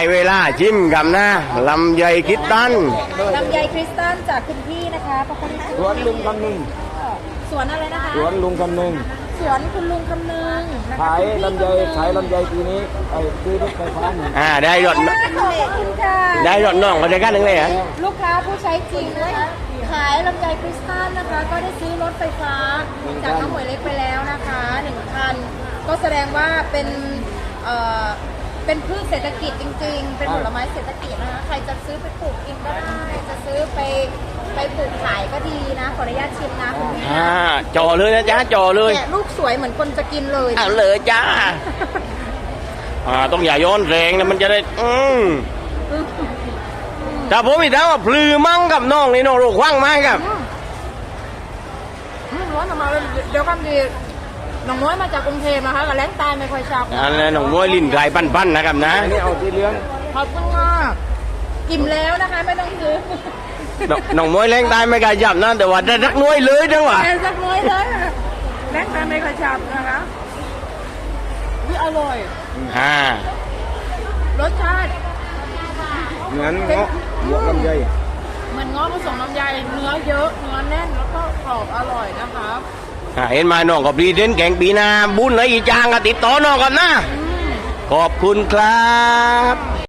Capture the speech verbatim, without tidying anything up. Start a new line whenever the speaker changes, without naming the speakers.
เวลาชิมกับนะลำไยคิดตัน
ลำไยคริสตัลจากคุณพี่นะคะพระคุณ
สวนลุงคำนึง
สวนอะไรนะคะ
สวนลุงคำนึง
สวนคุณลุงคำนึงนะคะ
ขาย
คุณพี่
ลำไย
คำนึง
ขายลำไยปีนี้ไอ้ซื้อรถไฟฟ้าหนึ่ง
อ่าได้รถ
ขอบคุณค่ะ
ได้รถน้องเขาจะกันหนึ่งเลยเหรอ
ลูกค้าผู้ใช้จริงนะคะขายลำไยคริสตัลนะคะ ก็ได้ซื้อรถไฟฟ้าจากน้องหมวยเล็กไปแล้วนะคะหนึ่งคันก็แสดงว่าเป็นเอ่อเป็นพืชเศรษฐกิจจริง ๆ เป็นผลไม้เศรษฐกิจนะคะใครจะซื้อไปปลูกกินก็ได้จะซื้อไปไปปลูกขายก็ดีนะขออนุญาตชิมนะคุณพี่
อ่าจ่อเลยนะจ๊ะจ่อเลย
แกะลูกสวยเหมือนคนจะกินเลย
เอาเลยจ้าอ่าต้องอย่าย้อนแรงนะมันจะได้อืมแต่ผมอีกแล้วว่าพลือมั่งกับน้องนี่น้องรูกว่างไหมครับ
อืมร้อนออกมาเลยเดี๋ยวความดีน้องน้อยมาจากกรุงเทพนะคะกับแรงตายไม่ค่อยชัก
อันนั้นน้องมวยลิ้นไก่ปั้นๆนะครับนะ
อันนี้เอาสีเหลือง
ขอบคุณมากอิ่มแล้วนะคะไม่ต้องซื้อ
น้องน้องมวยแรงตายไม่กล้าจับนะแต่ว่าได้รักน้อยเลยจังหวะ
แอนสักน้อยเลยแรงตายไม่ค่อยชักนะคะวิอร่อย
อ่าร
สชาติ
เหมือนเงาะบวกลำไย
เหมือนง้อผสมลำไยเนื้อเยอะเนื้อแน่นแล้วก็กรอบอร่อยนะคะ
อ่าเห็นไหมน้องกับรีเดนแข่งปีหนาบุญไหนอีจางก็ติดต่อน้องกันนะ ขอบคุณครับ